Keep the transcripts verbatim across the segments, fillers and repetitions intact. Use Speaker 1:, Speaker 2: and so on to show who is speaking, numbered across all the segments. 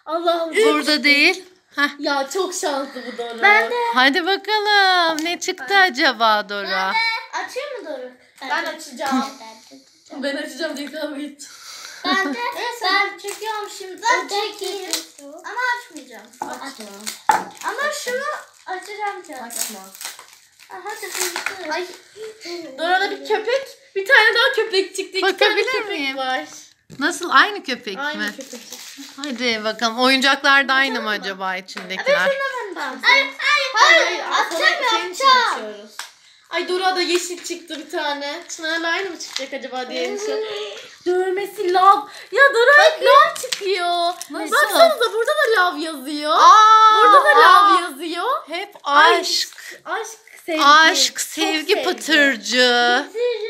Speaker 1: Allah'ım.
Speaker 2: Burada değil. Heh.
Speaker 1: Ya çok şanslı bu Dora.
Speaker 3: Ben de.
Speaker 2: Hadi bakalım. Ne çıktı acaba Dora?
Speaker 3: Açayım mı Doruk?
Speaker 1: Ben açacağım. Ben açacağım diye kavga edeceğim.
Speaker 3: Ben de. Ben çekiyorum şimdi. Ben çekeyim. Ama açmayacağım.
Speaker 1: Açma.
Speaker 3: Ama şunu açacağım zaten.
Speaker 1: Açma.
Speaker 3: Aha tıkırdı.
Speaker 1: Ay. Dora'da bir köpek. Bir tane daha köpek çıktı. İki
Speaker 2: Bakabilir
Speaker 1: tane köpek
Speaker 2: miyim?
Speaker 1: var.
Speaker 2: Nasıl? Aynı köpek
Speaker 1: Aynı
Speaker 2: mi?
Speaker 1: köpek.
Speaker 2: Hadi bakalım. Oyuncaklar da aynı mı acaba içindekiler?
Speaker 1: Tamam.
Speaker 3: Hayır hayır hayır. Açacağım
Speaker 1: Senin için
Speaker 3: yapacağım.
Speaker 1: açıyoruz. Ay Dora'da yeşil çıktı bir tane. Çınar'la aynı mı çıkacak acaba diye endişe. Dövmesi lav. Ya Dora hep lav çıkıyor.
Speaker 2: Nasıl?
Speaker 1: Baksanıza burada da lav yazıyor.
Speaker 2: Aa,
Speaker 1: Burada da
Speaker 2: aa.
Speaker 1: lav yazıyor.
Speaker 2: Hep
Speaker 1: Ay,
Speaker 2: aşk.
Speaker 1: Aşk, sevgi.
Speaker 2: Aşk,
Speaker 1: Çok
Speaker 2: sevgi pıtırcı.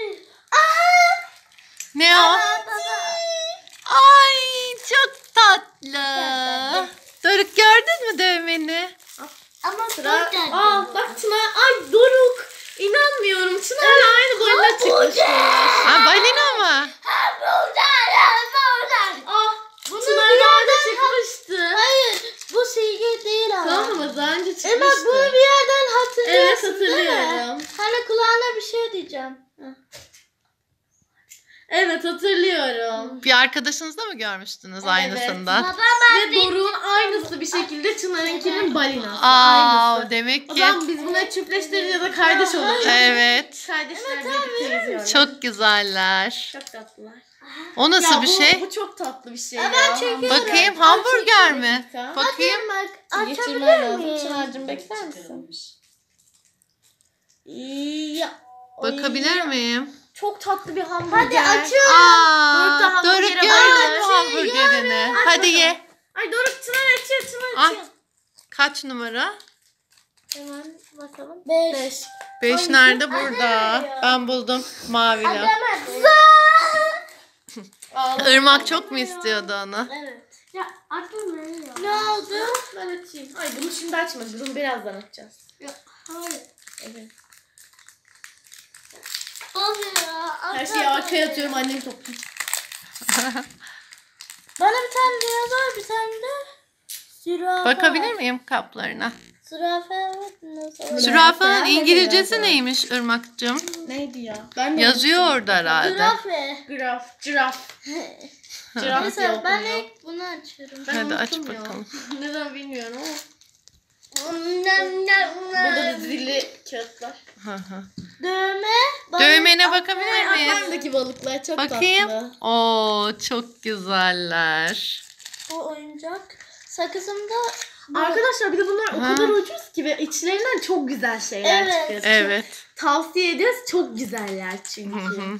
Speaker 2: Ne o?
Speaker 3: Baba baba.
Speaker 2: Ay çok tatlı. Doruk gördün mü dövmeni?
Speaker 3: Ama
Speaker 1: Sıra.
Speaker 3: burada.
Speaker 1: Aa bak Çınar. Ay Doruk. İnanmıyorum. Çınar'la aynı boyuna çıkmışlar.
Speaker 2: Ha, balina mı?
Speaker 3: Ha buradan. Buradan.
Speaker 1: Ah
Speaker 3: Bunu
Speaker 1: Çınar
Speaker 3: bir
Speaker 1: daha önce
Speaker 3: yerden
Speaker 1: çıkmıştı.
Speaker 3: Hayır. Bu silgi değil ama.
Speaker 1: Tamam mı? Daha önce çıkmıştı.
Speaker 3: Emel bunu bir yerden
Speaker 1: Evet
Speaker 3: hatırlıyorsun değil mi?
Speaker 1: hatırlıyorum.
Speaker 3: Hani kulağına bir şey diyeceğim.
Speaker 1: Evet hatırlıyorum.
Speaker 2: Bir arkadaşınızda mı görmüştünüz aynısından?
Speaker 3: Baba ben
Speaker 1: Ve Doruk'un aynısı bir şekilde Çınar'ınkinin balinası.
Speaker 2: Aa,
Speaker 1: Aynısı.
Speaker 2: demek
Speaker 1: O
Speaker 2: ki
Speaker 1: zaman biz bunları çiftleştiririz ya da kardeş oluruz.
Speaker 2: evet.
Speaker 1: Kardeşler birlikte izliyorlar.
Speaker 2: Çok güzeller.
Speaker 1: Çok tatlılar.
Speaker 2: O nasıl
Speaker 1: Ya
Speaker 2: bir
Speaker 1: bu,
Speaker 2: şey?
Speaker 1: Bu çok tatlı bir şey
Speaker 3: Aa,
Speaker 1: ya.
Speaker 3: ben çekiyorum.
Speaker 2: Bakayım hamburger mi?
Speaker 1: dakika.
Speaker 2: Bakayım.
Speaker 3: bak
Speaker 1: Geçirmen
Speaker 3: açabilir
Speaker 1: lazım.
Speaker 3: miyim?
Speaker 1: Çınar'cığım bekler misin? Ya.
Speaker 2: Bakabilir
Speaker 1: Ay,
Speaker 2: miyim?
Speaker 1: Çok tatlı bir hamburger.
Speaker 3: Hadi açıyorum.
Speaker 2: Aa,
Speaker 1: Doruk da
Speaker 2: Doruk
Speaker 1: hamburgere
Speaker 2: gördün
Speaker 1: bayılır.
Speaker 2: mü hamburgerini?
Speaker 1: Aç
Speaker 2: Hadi
Speaker 1: bakalım.
Speaker 2: ye.
Speaker 1: Ay Doruk Çınar açıyor Çınar
Speaker 2: Ay.
Speaker 1: açıyor.
Speaker 2: Kaç numara?
Speaker 1: Hemen bakalım.
Speaker 3: Beş.
Speaker 1: Beş.
Speaker 2: Beş nerede? Burada. Ben buldum. Mavili.
Speaker 3: Adama.
Speaker 1: Ağlama.
Speaker 2: Irmak çok mu istiyordu onu?
Speaker 1: Evet.
Speaker 3: Ya aklıma ne oldu?
Speaker 1: Ben açayım. Ay bunu şimdi açmadık. Bunu birazdan açacağız.
Speaker 3: Hayır.
Speaker 1: Evet.
Speaker 3: Oluyor.
Speaker 1: Her şeyi arkaya atıyorum annem topluyor.
Speaker 3: Bana bir tane dinozor, bir tane de zürafa.
Speaker 2: Bakabilir miyim kaplarına?
Speaker 3: Zürafa evet dinozor.
Speaker 2: Zürafanın
Speaker 1: Zürafa,
Speaker 2: İngilizcesi
Speaker 1: zürafa.
Speaker 2: neymiş Irmak'cığım?
Speaker 1: Neydi ya? Ben de
Speaker 2: Yazıyor
Speaker 1: unuttum.
Speaker 2: orada herhalde.
Speaker 3: Zürafe.
Speaker 1: Graf, giraf. Giraf diye
Speaker 3: Mesela ben
Speaker 1: okunuyor.
Speaker 3: ilk bunu açıyorum.
Speaker 1: Ben
Speaker 2: Hadi aç
Speaker 1: unuttum ya.
Speaker 2: bakalım.
Speaker 1: Neden bilmiyorum ama.
Speaker 3: Nem, nem,
Speaker 1: Burada da
Speaker 3: nem.
Speaker 1: zilli kağıtlar.
Speaker 2: Hı hı.
Speaker 3: Dövme. balık,
Speaker 2: Dövmene
Speaker 3: akvaryum.
Speaker 2: bakabilir miyiz?
Speaker 1: Akvaryumdaki balıklar çok
Speaker 2: Bakayım.
Speaker 1: tatlı.
Speaker 2: Oo, çok güzeller.
Speaker 3: Bu oyuncak. Sakızımda
Speaker 1: Arkadaşlar bir de bunlar o
Speaker 2: Ha.
Speaker 1: kadar ucuz ki ve içlerinden çok güzel şeyler
Speaker 3: Evet.
Speaker 1: çıkıyor.
Speaker 2: Evet.
Speaker 1: Tavsiye ediyoruz. Çok güzeller çünkü.
Speaker 2: Hı hı.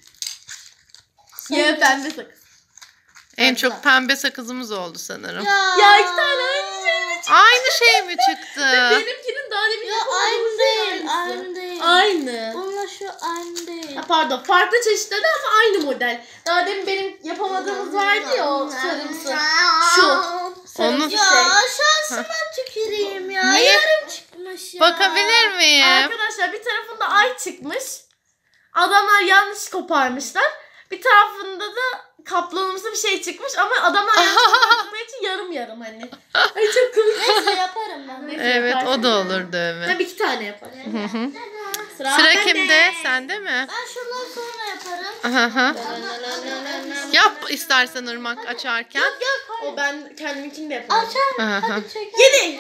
Speaker 1: Ya pembe sakız.
Speaker 2: En çok pembe sakızımız oldu sanırım.
Speaker 3: ya.
Speaker 1: Ya iki tane aynı şey mi çıktı?
Speaker 2: Aynı şey mi çıktı?
Speaker 1: Benimkinin daha demin
Speaker 3: Ya
Speaker 1: yapamadığımız
Speaker 3: aynı
Speaker 1: şey
Speaker 3: değil.
Speaker 1: aynısı.
Speaker 3: Aynı değil.
Speaker 1: Aynı.
Speaker 3: Bununla şu aynı değil.
Speaker 1: Ha, pardon farklı çeşitleri ama aynı model. Daha demin benim yapamadığımız vardı ya o sarımsı. Şu. Sarımsı
Speaker 2: Onu-
Speaker 3: Ya
Speaker 1: şey.
Speaker 3: şansıma tüküreyim ya.
Speaker 2: Niye?
Speaker 3: Yarım çıkmış ya.
Speaker 2: Bakabilir miyim?
Speaker 1: Arkadaşlar bir tarafında ay çıkmış. Adamlar yanlış koparmışlar. Bir tarafında da kaplanımsı bir şey çıkmış ama adamlar yanlış kopardıkları için yarım yarım hani. Ay çok komik.
Speaker 3: Neyse yaparım ben.
Speaker 1: Neyse,
Speaker 2: Evet,
Speaker 1: yaparsın.
Speaker 2: o da olur dövme.
Speaker 1: Tabii iki tane yaparım.
Speaker 2: Hı hı.
Speaker 1: Sıra,
Speaker 2: Sıra
Speaker 1: bende.
Speaker 2: kimde? Sende mi?
Speaker 3: Ben şundan sonra yaparım.
Speaker 2: Hı hı. Yap istersen Irmak açarken.
Speaker 1: O ben kendiminkini de yaparım.
Speaker 3: Açar.
Speaker 2: Hı hı.
Speaker 3: Hadi çekelim.
Speaker 1: Yedi.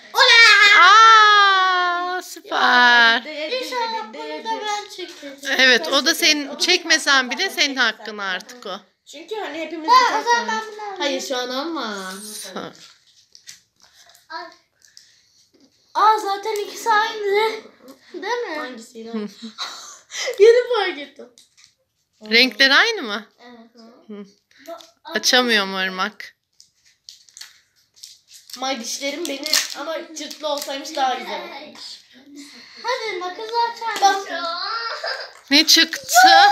Speaker 2: Aa, süper.
Speaker 3: İnşallah bunu da ben çekeceğim.
Speaker 2: Evet, o da senin, çekmesen bile senin hakkın artık o.
Speaker 1: Çünkü hani hepimiz
Speaker 3: Ha,
Speaker 1: bir
Speaker 3: o zaman
Speaker 1: tane.
Speaker 3: ben bunu alayım.
Speaker 1: Hayır şu an alma.
Speaker 3: Al. Aa zaten ikisi aynı. Değil mi?
Speaker 1: Hangisiydi? Yeni fark ettim.
Speaker 2: Renkleri aynı mı?
Speaker 3: Evet.
Speaker 2: Açamıyorum Irmak.
Speaker 1: May dişlerim beni ama cırtlı olsaymış daha güzel olurmuş.
Speaker 3: Hadi makası açar mısın?
Speaker 2: Ne çıktı?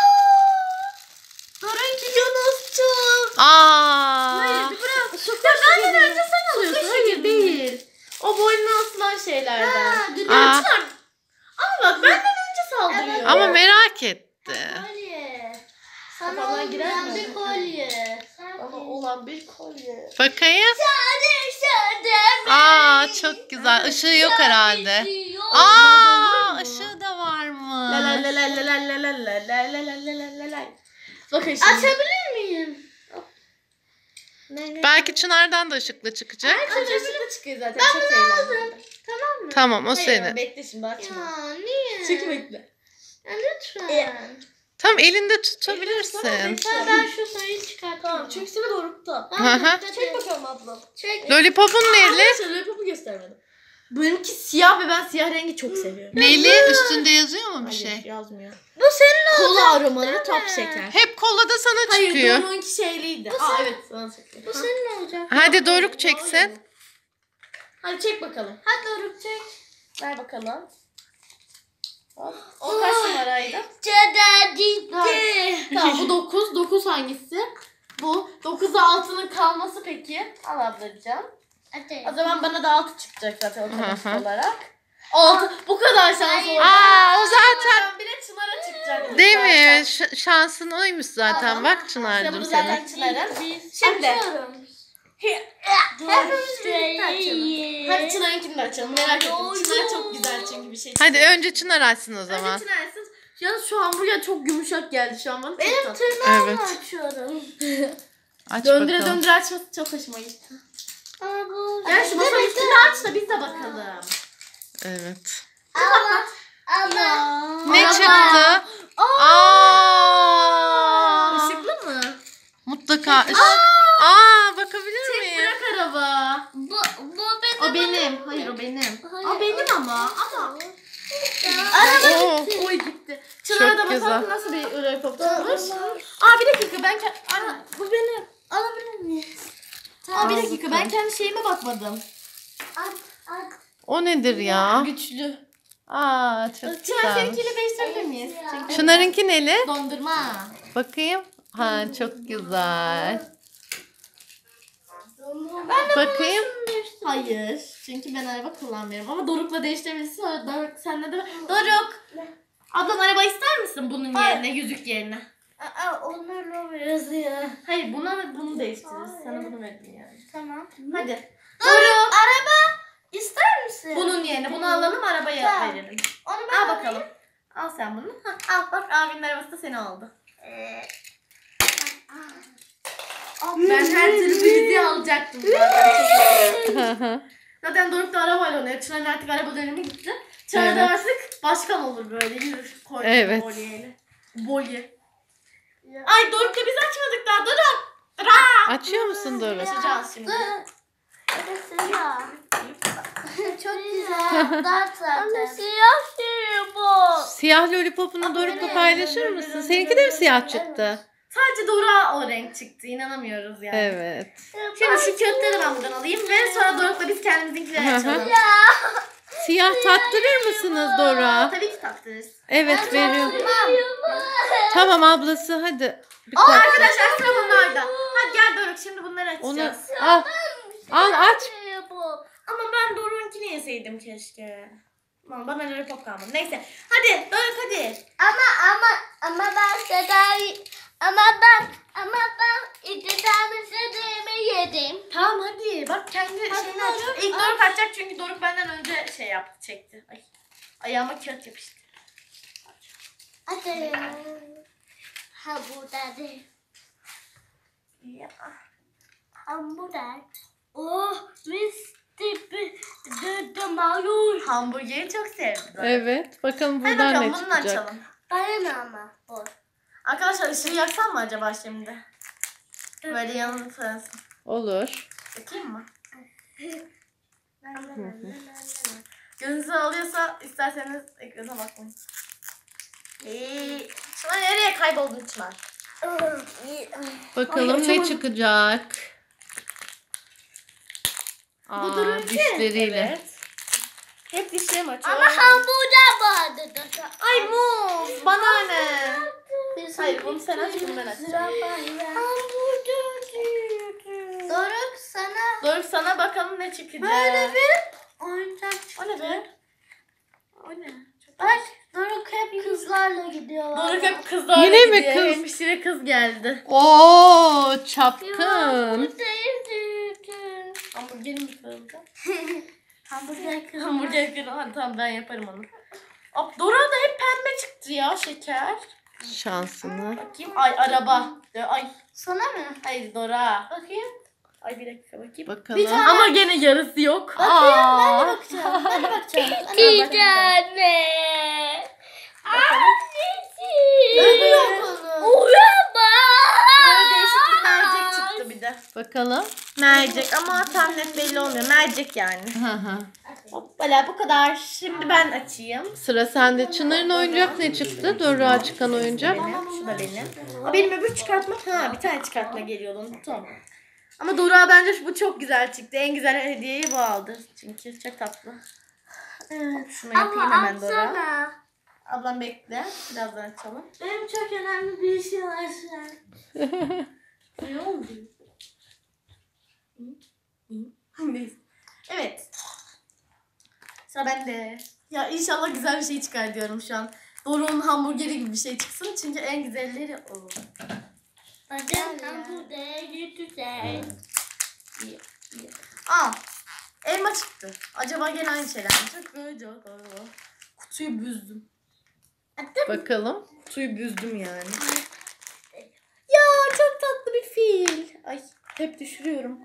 Speaker 1: Dorunki Yunus'cum.
Speaker 2: Aa.
Speaker 1: Hayır bir bırak. Ya benden önce sen alıyorsun. Hayır değil. O boynuna asılan şeylerden.
Speaker 3: Ha, düdük.
Speaker 2: Aa.
Speaker 1: Çınar. Ama bak benden önce saldırıyor.
Speaker 2: Ama merak etti.
Speaker 3: Kolye. Sana
Speaker 1: Kafamdan girer
Speaker 3: olmayan
Speaker 1: mi?
Speaker 3: bir kolye.
Speaker 1: Ama olan bir kolye.
Speaker 2: Bakayım.
Speaker 3: Şade şade.
Speaker 2: Aa çok güzel. Işığı yok herhalde. Aa ışığı da
Speaker 1: La la
Speaker 2: varmış.
Speaker 1: la la la la la la la la la la la la la. Bakın şimdi.
Speaker 3: Açabilir miyim?
Speaker 1: Ne, ne?
Speaker 2: Belki Çınar'dan da ışıklı çıkacak.
Speaker 1: Ay, ışıklı çıkıyor zaten. Ben çok eğlenceli.
Speaker 3: Tamam mı?
Speaker 2: Tamam o
Speaker 1: Hayır,
Speaker 2: senin.
Speaker 1: bekle şimdi açma.
Speaker 3: Ya niye?
Speaker 1: Çık bekle.
Speaker 3: Ya lütfen.
Speaker 2: Tam elinde tutabilirsin.
Speaker 3: Lütfen ben şu sayıyı çıkartayım.
Speaker 1: Tamam çeksene dorukta.
Speaker 2: Hı hı.
Speaker 1: Çek bakalım ablam.
Speaker 3: Çek.
Speaker 2: Lollipop'un neli?
Speaker 1: Arkadaşlar lollipopu göstermedim. Benimki siyah ve ben siyah rengi çok seviyorum.
Speaker 2: Neli? Üstünde yazıyor mu bir
Speaker 1: Hayır,
Speaker 2: şey?
Speaker 1: yazmıyor.
Speaker 3: Bu senin
Speaker 1: Kola aromalı top şeker.
Speaker 2: Hep kola da sana
Speaker 1: Hayır
Speaker 2: çıkıyor.
Speaker 1: Doruk'unki şeyliydi. Aa evet sana çıkıyor.
Speaker 3: Bu senin olacak.
Speaker 2: Hadi Doruk çeksin.
Speaker 1: Hadi çek bakalım.
Speaker 3: Hadi Doruk çek.
Speaker 1: Ver bakalım. Hop. O kaç numaraydı?
Speaker 3: Cadı gitti.
Speaker 1: Tamam bu dokuz. dokuz hangisi? Bu. dokuzda altının kalması peki. Al ablacığım.
Speaker 3: Hadi.
Speaker 1: O zaman bana da altı çıkacak zaten otomatik
Speaker 2: Hı hı.
Speaker 1: olarak. altı. Bu kadar şans oldu.
Speaker 2: Aa o zaten.
Speaker 1: Ben bile Çınar'a çıkacak.
Speaker 2: Değil mi?
Speaker 1: zaten.
Speaker 2: Ş- şansın oymuş zaten.
Speaker 1: Tamam.
Speaker 2: Bak
Speaker 1: İşte
Speaker 2: Çınar'cığım
Speaker 1: bu
Speaker 2: senin.
Speaker 1: zaten Çınar'ın. Şimdi.
Speaker 3: Açıyorum.
Speaker 1: Hepimiz birlikte açalım. Hadi Çınar'ınkini de açalım. Merak ettim. Çınar çok güzel çünkü bir şey.
Speaker 2: Hadi önce Çınar açsın o zaman.
Speaker 1: Önce Çınar açsın. Yalnız şu hamburger çok yumuşak geldi şu an bana.
Speaker 3: Benim
Speaker 1: Çok tatlı.
Speaker 3: tırnağımı
Speaker 2: Evet.
Speaker 3: açıyorum.
Speaker 2: Aç
Speaker 1: Döndüre
Speaker 2: bakalım.
Speaker 1: döndüre açması çok hoşuma gitti.
Speaker 3: Aa, bu.
Speaker 1: Gel şu masanın üstünü aç da biz de bakalım.
Speaker 2: Evet.
Speaker 3: Ama. Ama.
Speaker 2: Ne
Speaker 1: Araba.
Speaker 2: çıktı? Aa!
Speaker 1: Işıklı mı?
Speaker 2: Mutlaka. ış- Aa bakabilir
Speaker 1: Tek
Speaker 2: miyim?
Speaker 1: bırak araba.
Speaker 3: Bu, bu benim.
Speaker 1: O benim. Hayır o benim.
Speaker 3: Hayır,
Speaker 1: O benim
Speaker 3: o-
Speaker 1: ama. Ama.
Speaker 2: Oo.
Speaker 1: Oy gitti. Çınar'a da
Speaker 2: Çok
Speaker 1: bakalım
Speaker 2: güzel.
Speaker 1: nasıl bir lollipop tutmuş. Aa bir dakika ben ke- Aa, bu benim.
Speaker 3: Alabilir miyiz?
Speaker 1: Aa bir
Speaker 2: Al
Speaker 1: dakika ben
Speaker 2: bakalım.
Speaker 1: kendi şeyime bakmadım.
Speaker 3: At, at.
Speaker 2: O nedir ya?
Speaker 1: Güçlü.
Speaker 2: Aa çok
Speaker 1: Çınar
Speaker 2: güzel.
Speaker 1: seninkiyle değiştirebilir miyiz?
Speaker 3: Ya.
Speaker 1: Çünkü
Speaker 2: Çınar'ınki neli?
Speaker 1: dondurma.
Speaker 2: Bakayım. Ha çok güzel.
Speaker 3: Ben de
Speaker 2: Bakayım.
Speaker 1: Hayır. Çünkü ben araba kullanmıyorum. Ama Doruk'la değiştirebilirsin. Sonra Doruk senle de... Doruk! Ablam araba ister misin bunun
Speaker 3: Hayır.
Speaker 1: yerine, yüzük yerine?
Speaker 3: Aa, onlarla biraz ya.
Speaker 1: Hayır buna bunu değiştiririz. Sana bunu verdim yani.
Speaker 3: Tamam.
Speaker 1: Hadi.
Speaker 3: Doruk. Araba ister misin?
Speaker 1: Bunun yerine bunu alalım arabaya
Speaker 3: Tamam.
Speaker 1: verelim.
Speaker 3: Onu ben
Speaker 1: Al bakalım. Al sen bunu. Hah, al bak abinin arabası da senin oldu.
Speaker 3: Ee,
Speaker 1: Ben her türlü bu yüzüğü alacaktım zaten.
Speaker 2: Hı hı.
Speaker 1: Zaten Doruk da arabayla oynuyor. Çınar'ın artık araba dönemi gitti. Çınar da
Speaker 2: Evet.
Speaker 1: artık başkan olur böyle yürür. Koy
Speaker 2: Evet.
Speaker 1: bolyeyle. Bolye. Ay Doruk'la biz açmadık daha. Doruk. Doruk.
Speaker 2: Açıyor musun Doruk?
Speaker 1: Açacağız şimdi.
Speaker 3: Evet, siyah. Çok güzel. Dart zaten. Siyah şey bu.
Speaker 2: Siyah lollipopunu Doruk'la paylaşır mısın? Seninki de mi siyah çıktı?
Speaker 1: Sadece Doruk'a o renk çıktı. İnanamıyoruz yani.
Speaker 2: Evet.
Speaker 1: Şimdi şu kağıtları ben buradan alayım ve sonra Doruk'la biz kendimizinkileri
Speaker 2: Hı hı.
Speaker 1: açalım.
Speaker 2: Siyah tattırır mısınız Doruk'a?
Speaker 1: Tabii ki taktırırız.
Speaker 2: Evet veriyorum. Tamam ablası hadi. Bir
Speaker 1: Aa,
Speaker 2: tat.
Speaker 1: arkadaşlar sıra bunlarda. Hadi gel Doruk şimdi bunları
Speaker 2: Onu
Speaker 1: açacağız.
Speaker 2: al. Al aç.
Speaker 1: Ama ben Doruk'unkini yeseydim keşke. Aman bana lollipop kalmadı. Neyse. Hadi Doruk hadi.
Speaker 3: Ama ama ama ben Seda'yı ama ben ama ben iki tane Seda'yı yedim.
Speaker 1: Tamam hadi. Bak kendi şeyini aç.
Speaker 3: Doruk,
Speaker 1: İlk
Speaker 3: aç.
Speaker 1: Doruk açacak çünkü Doruk benden önce şey yaptı çekti. Ay. Ayağıma kağıt yapıştı.
Speaker 3: Hadi. Ha burada değil.
Speaker 1: Ya.
Speaker 3: Ha burada. Oh, mis gibi de mayur.
Speaker 1: Hamburgeri çok sevdim. Doruk.
Speaker 2: Evet. Bakalım
Speaker 1: Hadi
Speaker 2: buradan
Speaker 1: bakalım
Speaker 2: ne
Speaker 1: bunu
Speaker 2: çıkacak.
Speaker 1: açalım.
Speaker 3: Bana ne ama? Bu.
Speaker 1: Arkadaşlar ışığı yaksam mı acaba şimdi? Böyle yanını sönsün.
Speaker 2: Olur.
Speaker 1: Yakayım mı? Gözünüzü alıyorsa isterseniz ekrana bakmayın. Ee, Çınar nereye kayboldun Çınar?
Speaker 2: Bakalım
Speaker 1: Ay,
Speaker 2: ne
Speaker 1: açamadım.
Speaker 2: çıkacak.
Speaker 1: Bu
Speaker 2: Aa,
Speaker 1: durunca.
Speaker 2: dişleriyle.
Speaker 1: Evet. Hep dişlerim açıyor.
Speaker 3: Ama hamburger vardı.
Speaker 1: Ay muz. Bana ne? Hayır bunu sen aç bunu ben açacağım.
Speaker 3: Hamburger diyordu. Doruk sana
Speaker 1: Doruk sana bakalım ne çıkacak.
Speaker 3: böyle bir oyuncak
Speaker 1: O ne be? O ne? Çok
Speaker 3: Bak Doruk hep kızlarla gidiyor.
Speaker 1: Doruk hep kızlarla
Speaker 2: Yine mi
Speaker 1: gidiyor.
Speaker 2: kız?
Speaker 1: Hemşire kız geldi.
Speaker 2: Oo çapkın.
Speaker 1: Hamburger mi kırıldı?
Speaker 3: Hamburger kız.
Speaker 1: Hamburger kırıldı. Hadi tamam ben yaparım onu. Ab, Dora da hep pembe çıktı ya şeker.
Speaker 2: Şansını.
Speaker 1: Bakayım. Ay araba. Ay.
Speaker 3: Sana mı?
Speaker 1: Hayır Dora. Bakayım. Ay bir dakika bakayım.
Speaker 2: Bakalım.
Speaker 3: tane-
Speaker 1: Ama gene yarısı yok.
Speaker 2: Aa.
Speaker 3: Bakacağım. Ben de bakacağım.
Speaker 1: Bir
Speaker 3: tane.
Speaker 1: Öbür yok onun.
Speaker 3: Uraba.
Speaker 1: Böyle değişik bir mercek çıktı bir de.
Speaker 2: Bakalım.
Speaker 1: Mercek ama tam net belli olmuyor. Mercek yani.
Speaker 2: Hı hı.
Speaker 1: Hoppala bu kadar. Şimdi ben açayım.
Speaker 2: Sıra sende. Çınar'ın oyuncak ne çıktı? Doruk'a çıkan oyuncak.
Speaker 1: Benim, şu da benim. Aa, benim öbür çıkartma. Ha bir tane çıkartma geliyordu unuttum. Ama Dora bence bu çok güzel çıktı. En güzel hediyeyi bu aldı. Çünkü çok tatlı. Evet, şunu yapayım
Speaker 3: Ama
Speaker 1: hemen Dora.
Speaker 3: atsana.
Speaker 1: Ablam bekle. Birazdan açalım.
Speaker 3: Benim çok önemli bir şey var şu an.
Speaker 1: Ne oldu? Neyse. Evet. Sıra bende. Ya inşallah güzel bir şey çıkar diyorum şu an. Doruk'un hamburgeri gibi bir şey çıksın. Çünkü en güzelleri o.
Speaker 3: Bakın hamburger güzel.
Speaker 1: İyi, iyi. Aa, elma çıktı. Acaba gene aynı şeyler mi? Çok böyle galiba. Kutuyu büzdüm.
Speaker 2: Bakalım.
Speaker 1: Kutuyu büzdüm yani. Ya çok tatlı bir fil. Ay hep düşürüyorum.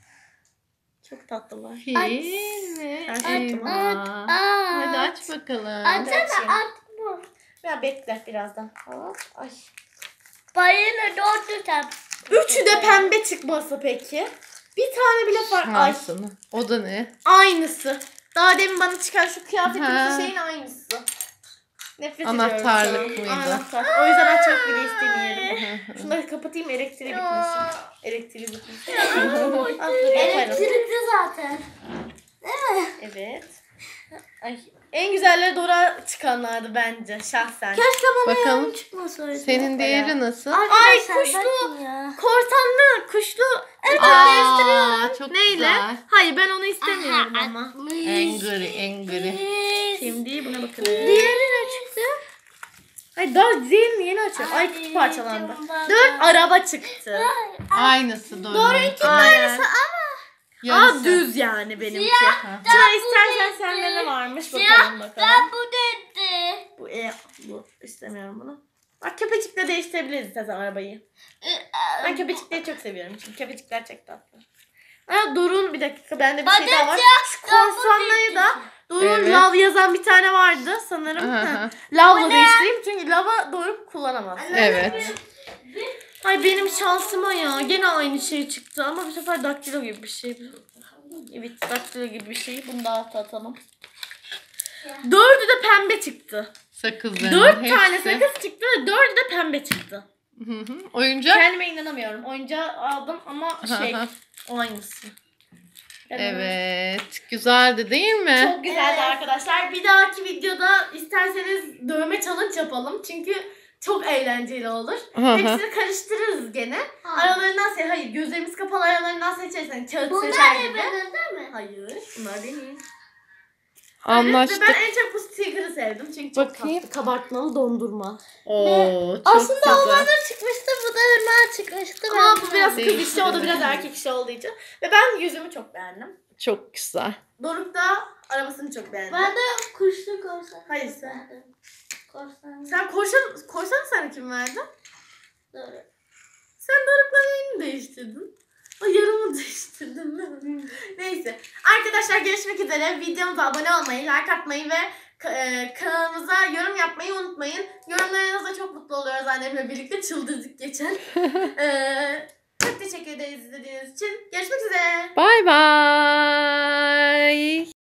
Speaker 1: Çok tatlılar.
Speaker 2: Fil ve
Speaker 1: Aç.
Speaker 2: elma.
Speaker 3: Aa.
Speaker 2: Hadi aç bakalım.
Speaker 3: Açsana at bu.
Speaker 1: Ya bekle birazdan. Hop, ay.
Speaker 3: Balina doğru tam.
Speaker 1: Üçü de pembe çıkması peki. Bir tane bile fark. Ay
Speaker 2: Şansını. O da ne?
Speaker 1: aynısı. Daha demin bana çıkan şu kıyafetin
Speaker 2: Ha.
Speaker 1: şeyin aynısı. Nefret
Speaker 2: Anahtarlık
Speaker 1: ediyorum şu an.
Speaker 2: mıydı?
Speaker 1: Anahtar. O yüzden açmak bile istemiyorum. Şunları kapatayım elektriği bitmesin. Elektriği bitmesin. Ah, dur, yaparım.
Speaker 3: Elektrikli zaten.
Speaker 1: Evet. Ay. En güzelleri Dora çıkanlardı bence şahsen.
Speaker 3: Keşke bana
Speaker 2: Bakalım.
Speaker 3: yarım çıkmasaydı.
Speaker 2: Senin değeri nasıl?
Speaker 1: Ay,
Speaker 3: Arkadaşlar,
Speaker 1: kuşlu.
Speaker 3: bakın ya.
Speaker 1: Korsanlı, kuşlu. Evet,
Speaker 2: Aa, çok
Speaker 1: Neyle?
Speaker 2: güzel.
Speaker 1: Hayır ben onu istemiyorum ama.
Speaker 2: Angry, angry.
Speaker 1: Şimdi buna bakalım.
Speaker 3: Diğeri ne çıktı?
Speaker 1: Ay daha diğerini yeni açıyorum. Ay kutu parçalandı.
Speaker 3: Ay,
Speaker 1: Dört araba çıktı.
Speaker 2: Aynısı Doruk'un.
Speaker 1: Aynen. Aa
Speaker 2: Yarısı.
Speaker 1: düz yani benimki.
Speaker 2: Ha.
Speaker 1: Sıra istersen sende ne varmış bakalım bakalım.
Speaker 3: Ben bu dedi.
Speaker 1: Bu e, bu istemiyorum bunu. Bak köpecikle değiştirebiliriz istersen arabayı. Ben köpecikleri çok seviyorum çünkü köpecikler çok tatlı. Aa Doruk'un bir dakika bende bir şey daha var. Şu korsanlayı da Doruk'un
Speaker 2: Evet.
Speaker 1: lav yazan bir tane vardı sanırım.
Speaker 2: Aha.
Speaker 1: Heh. Lavla değiştireyim çünkü lava Doruk kullanamaz.
Speaker 2: Evet.
Speaker 1: Ay benim şansıma ya. Gene aynı şey çıktı ama bu sefer daktilo gibi bir şey. Evet daktilo gibi bir şey. Bunu da alta atalım. Dördü de pembe çıktı.
Speaker 2: Sakızların
Speaker 1: Dört
Speaker 2: hepsi.
Speaker 1: tane sakız çıktı ve dördü de pembe çıktı.
Speaker 2: Hı hı. Oyuncak?
Speaker 1: Kendime inanamıyorum. Oyuncağı aldım ama şey o aynısı.
Speaker 2: Evet. Güzeldi değil mi?
Speaker 1: Çok güzeldi arkadaşlar. Bir dahaki videoda isterseniz dövme challenge yapalım. Çünkü çok eğlenceli olur.
Speaker 2: Hı hı.
Speaker 1: Hepsini karıştırırız gene. Aralarından se hayır gözlerimiz kapalı aralarından seçersen kağıt
Speaker 3: Bunlar
Speaker 1: seçer
Speaker 3: ne
Speaker 1: gibi.
Speaker 3: benim değil mi?
Speaker 1: Hayır bunlar benim.
Speaker 2: Anlaştık.
Speaker 1: Ve ben en çok bu sticker'ı sevdim çünkü çok
Speaker 2: Bakayım.
Speaker 1: tatlı. Kabartmalı dondurma.
Speaker 2: Oo, çok
Speaker 3: Aslında
Speaker 2: güzel.
Speaker 3: onlardan çıkmıştı. Bu da hemen çıkmıştı.
Speaker 1: Ama
Speaker 3: Ben
Speaker 1: bu biraz kız işi o da
Speaker 2: Değiştirelim.
Speaker 1: biraz erkek işi olduğu için. Ve ben yüzümü çok beğendim.
Speaker 2: Çok güzel.
Speaker 1: Doruk da arabasını çok beğendi.
Speaker 3: Ben de kuşlu korsan.
Speaker 1: Hayır sen.
Speaker 3: Korsan.
Speaker 1: Sen korsan, korsanı sana kim verdi?
Speaker 3: Doğru.
Speaker 1: Sen Doruk'la neyini değiştirdin? O yarımı değiştirdin değil mi? Neyse. Arkadaşlar görüşmek üzere. Videomuza abone olmayı, like atmayı ve e, kanalımıza yorum yapmayı unutmayın. Yorumlarınızla çok mutlu oluyoruz annemle birlikte. Çıldırdık geçen. e, çok teşekkür ederiz izlediğiniz için. Görüşmek üzere.
Speaker 2: Bye bye.